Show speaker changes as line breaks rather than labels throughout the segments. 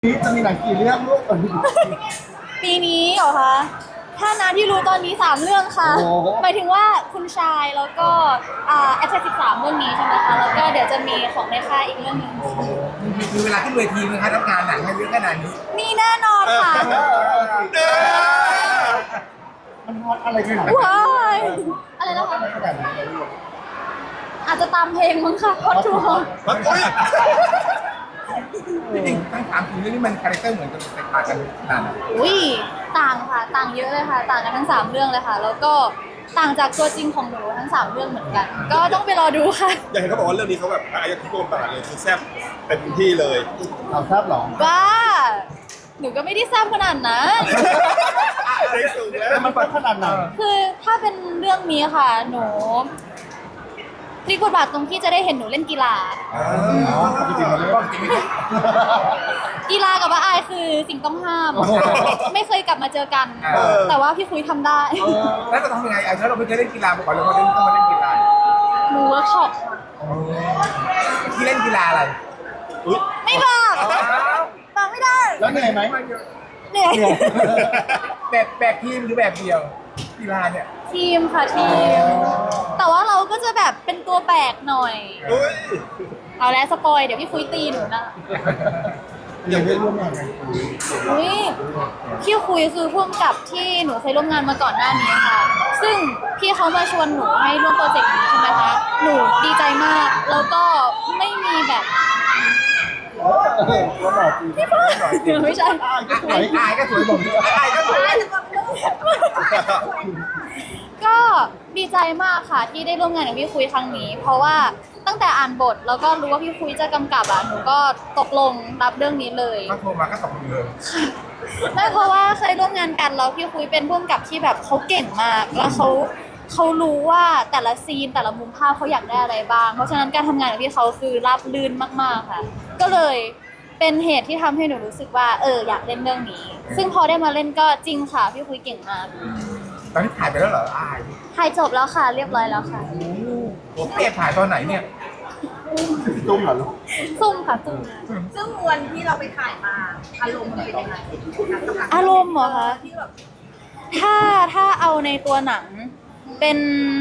นี้จะมีหนังกี่เรื่องลูกก่อนดี
ปีนี้เหรอคะถ้านาที่รู้ตอนนี้3เรื่องค่ะหมายถึงว่าคุณชายแล้วก็แอป13เรื่องนี้ใช่ไหมคะแล้วก็เดี๋ยวจะมีของในค่ายอีกเรื่องหนึง
มีเวลาขึ้นเวทีไหมคะรับงานหนังให้เยอะขนาดนี้
มีแน่นอนค่ะ
มันฮอตอะไรขนาด
ว้ายอะไรนะคะ
ขนาดนี้
อาจจะตามเพลงมั้งค่ะฮอตทูฮอต
จริงๆทั้ง3 ทีมเรื่องนี้มันคาแรคเตอร์เหมือนกันแต่ต่างกันขนาดไหน
อุ้ยต่างค่ะต่างเยอะเลยค่ะ ต่างกันทั้ง3เรื่องเลยค่ะ แล้วก็ต่างจากตัวจริงของหนูทั้ง3เรื่องเหมือนกัน ก็ต้องไปรอดูค่ะ
อย่างเห็นเขาบอกว่าเรื่องนี้เขาแบบอายะทุกโดนตลาดเลยคือแซ่บเต็มที่เลย
เราทราบหรอ
ว่า หนูก็ไม่ได้ทราบขนาดนั้น
เซ็กสูงแล้ว
มันเป็นขนาดไหน
คือถ้าเป็นเรื่องนี้ค่ะ หนูพลิกบทบาทตรงที่จะได้เห็นหนูเล่นกีฬา
จริงๆมันเรื่องจริง
กีฬากับว่าอายคือสิ่งต้องห้าม ไม่เคยกลับมาเจอกัน แต่ว่าพี่คุยทำได้
แล้วจะทำยังไงถ้าเราไม่เคยเล่นกีฬามาก่อนเราก็ต้องมาเล่นกีฬา
หนูเวิร์กช็อปค่ะ
ที่เล่นกีฬาอะไร
ไม่บอกบอกไม่ได้
แล้วเหนื่อยไหม
เหนื่อย
แบบทีมหรือแบบเดียวกีฬาเนี่ย
ทีมค่ะทีม แต่ว่าเราก็จะแบบเป็นตัวแบกหน่อย
อุ้ย
เอาแล้วสปอยเดี๋ยวพี่คุยตีหนูนะ
ยังได้ร่วมงานกัน
อุ้ยพี่คุยคือพ่วงกับที่หนูเคยร่วมงานมาก่อนหน้านี้ค่ะ ซึ่งพี่เขามาชวนหนูให้ร่วมโปรเจกต์นี้ใช่ไหมคะ หนูดีใจมาก แล้วก็ไม่มีแบบ
ก็หล่อจริง
ไม่ใช่
อายก็สวยผมอายก็สวย
ก็ดีใจมากค่ะที่ได้ร่วมงานกับพี่คุยครั้งนี้ เพราะว่าตั้งแต่อ่านบทแล้วก็รู้ว่าพี่คุยจะกำกับหนูก็ตกลงรับเรื่องนี้เลย
ก็โทรมาก็ตกเลย
ไม่เพราะว่าเคยร่วมงานกันแล้วพี่คุยเป็นผู้กำกับที่แบบเขาเก่งมากแล้วเขารู้ว่าแต่ละซีนแต่ละมุมภาพเขาอยากได้อะไรบ้าง เพราะฉะนั้นการทำงานกับพี่เขาคือราบรื่นมากๆค่ะ ก็เลยเป็นเหตุที่ทำให้หนูรู้สึกว่าอยากเล่นเรื่องนี้ ซึ่งพอได้มาเล่นก็จริงค่ะพี่คุยเก่งมาก
ตอนนี้ถ่ายไปแล้วเหรออาย
ถ่ายจบแล้วค่ะเรียบร้อยแล้วค่ะ
ผมเปรียบถ่ายตอนไหนเนี่ย
ตุ้มเหรอลูก
ซุ่มค่ะซุ่ม
ซึ่งวันที่เราไปถ่ายมาอารมณ์มันเป็นยังไง
อารมณ์เหรอคะ
ที่แบบ
ถ้าเอาในตัวหนังเป็น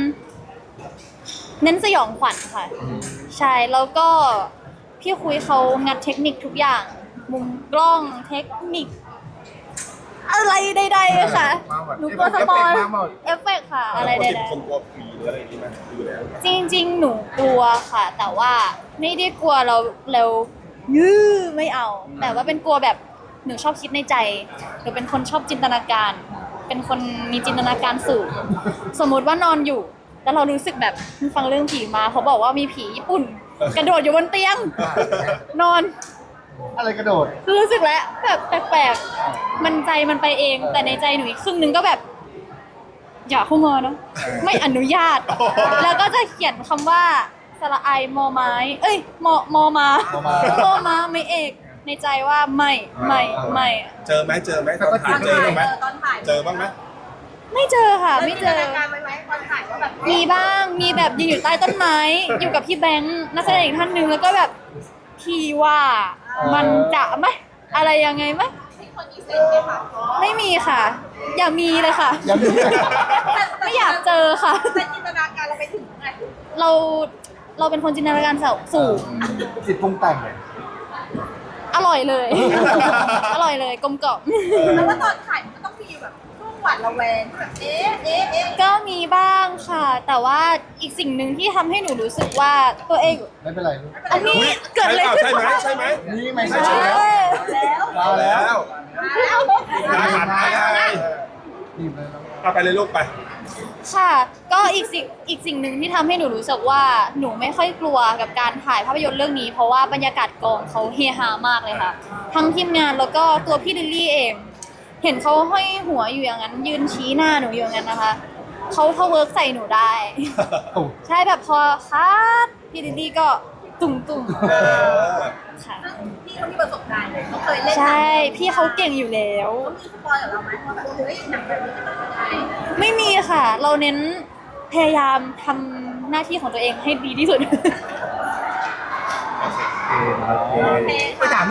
เน้นสยองขวัญค่ะ ใช่แล้วก็พี่คุยเขางัดเทคนิคทุกอย่าง มุมกล้องเทคนิค อะไรใดๆค่ะ หนูกลัวสปอยเอฟเฟกต์ค่ะ อะไรใด
คนกลัวผีหรืออะไรอย่างนี้ไหมอยู่แล้ว
ๆจริงๆ หนูกลัวค่ะ แต่ว่าไม่ได้กลัวเรายื้อไม่เอา แต่ว่าเป็นกลัวแบบหนูชอบคิดในใจหนูเป็นคนชอบจินตนาการ เป็นคนมีจินตนาการสูง สมมุติว่านอนอยู่ แล้วเรารู้สึกแบบฟังเรื่องผีมาเขาบอกว่ามีผีญี่ปุ่น กระโดดอยู่บนเตียง นอน
อะไรกระโดด
รู้สึกแล้วแบบแปลกๆมันใจมันไปเอง แต่ในใจหนูอีกครึ่งนึงก็แบบ อย่าเข้ามาเนาะไม่อนุญาต แล้วก็จะเขียนคำว่าสระไอมอไม้ เอ้ยมอมา มอมาไม่เอก ในใจว่าไม่
เจอไหมตอนถ่ายเจอไหม
ตอนถ่าย
เจอบ้างไหม
ไม่เจอค่ะ ไม่เจอ
จินตนาการไว้ไหมตอนถ่ายว่าแบบ
มีบ้าง มีแบบยืนอยู่ใต้ต้นไม้ อยู่กับพี่แบงค์นักแสดงอีกท่านหนึ่งแล้วก็แบบพี่ว่ามันจะไหมอะไรยังไงไหม
มีคนมีเซนส์ไหมคะ
ไม่มีค่ะ อย่ามีเลยค่ะ
ยังมี
ไม่อยากเจอค่ะ
แต่จินตนาการเราไปถึงไง
เราเป็นคนจินตนาการสูง
จิตปรุงแต่ง
อร่อยเลย อร่อยเลยกลมกล่อม
แล้วว่าตอนถ่ายมันก็ต้องมีแบบช่วงหวาดระแวงแบบเอ๊ะ
ก็มีบ้างค่ะ แต่ว่าอีกสิ่งหนึ่งที่ทำให้หนูรู้สึกว่าตัวเอง
ไม่เป็นไรลูก
อันนี้เกิดอะไรขึ้น
ใช่ไหม
นี่ไม่
ใช่
ใช่แล้ว
แล้ว
มาแล้ว
อาหารอะไร
นี่เลยน้อง
เอาไปเลยลูกไป
ค่ะ ก็อีกสิ่งหนึ่งที่ทำให้หนูรู้สึกว่าหนูไม่ค่อยกลัวกับการถ่ายภาพยนตร์เรื่องนี้ เพราะว่าบรรยากาศกองเขาเฮฮามากเลยค่ะ ทั้งทีมงานแล้วก็ตัวพี่ลิลลี่เอง เห็นเขาห้อยหัวอยู่อย่างนั้น ยืนชี้หน้าหนูอยู่อย่างนั้นนะคะเขาเวิร์กใส่หนูได้
โอ้
ใช่แบบพอคัดพี่ลิลลี่ก็ตุ่มค่ะ
ซึ่งพี่เขามีประสบการณ์เขาเคยเล่น
ใช่พี่เขาเก่งอยู่แล้ว
เขามีสปอยกับเราไหมว่าแบบเฮ้ยหนังแบบนี้จะเป็นยังไง
ไม่มีค่ะ เราเน้นพยายามทำหน้าที่ของตัวเองให้ดีที่สุด
โอเค
ไปถามนิดนึง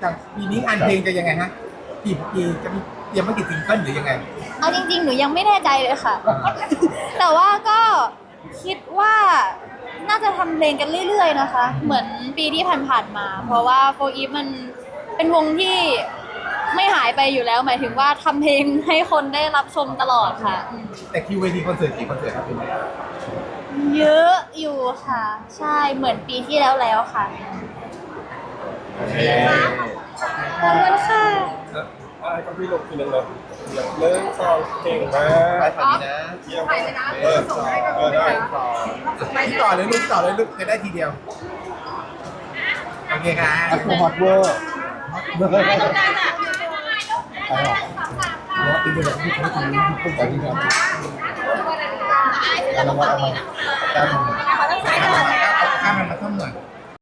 จากปีนี้งานเพลงจะยังไงฮะกี่จะมีเตรียมมากี่ซิงเกิลหรือยังไง
เอาจริงๆ หนูยังไม่แน่ใจเลยค่ะ แต่ว่าก็คิดว่าน่าจะทำเพลงกันเรื่อยๆนะคะ เหมือนปีที่ผ่านๆมา เพราะว่าโฟอีฟมันเป็นวงที่ไม่หายไปอยู่แล้ว หมายถึงว่าทำเพลงให้คนได้รับชมตลอดค่ะ
แต่คิวเวทีคอนเสิร์ตกี่คอนเสิร์ตครับปีนี้
เยอะอยู่ค่ะ ใช่เหมือนปีที่แล้วค่ะ ขอบคุณค่ะ
อะไรก็พี่ลงทีนึงเลยเลิกซองเก่งมาก
ไปฝั่งนี้นะ
เยี่ยม
ไปเลยนะ
ส่ง
ให้กับ
ได้
พี่ต่อเลยลูกจะได้ทีเดียวโอเคครับ
แอปเปิลฮอตเวอร์เบอร์ไปหรอ
2 3
ที่เป็นแบบที่เขาทำที่เป็นแบบนี้ครับแล้วเราว่าทำไมการทำ
ขอต้องใช้ก่อนนะ
เอาข้ามมันมาท่อมหน่อย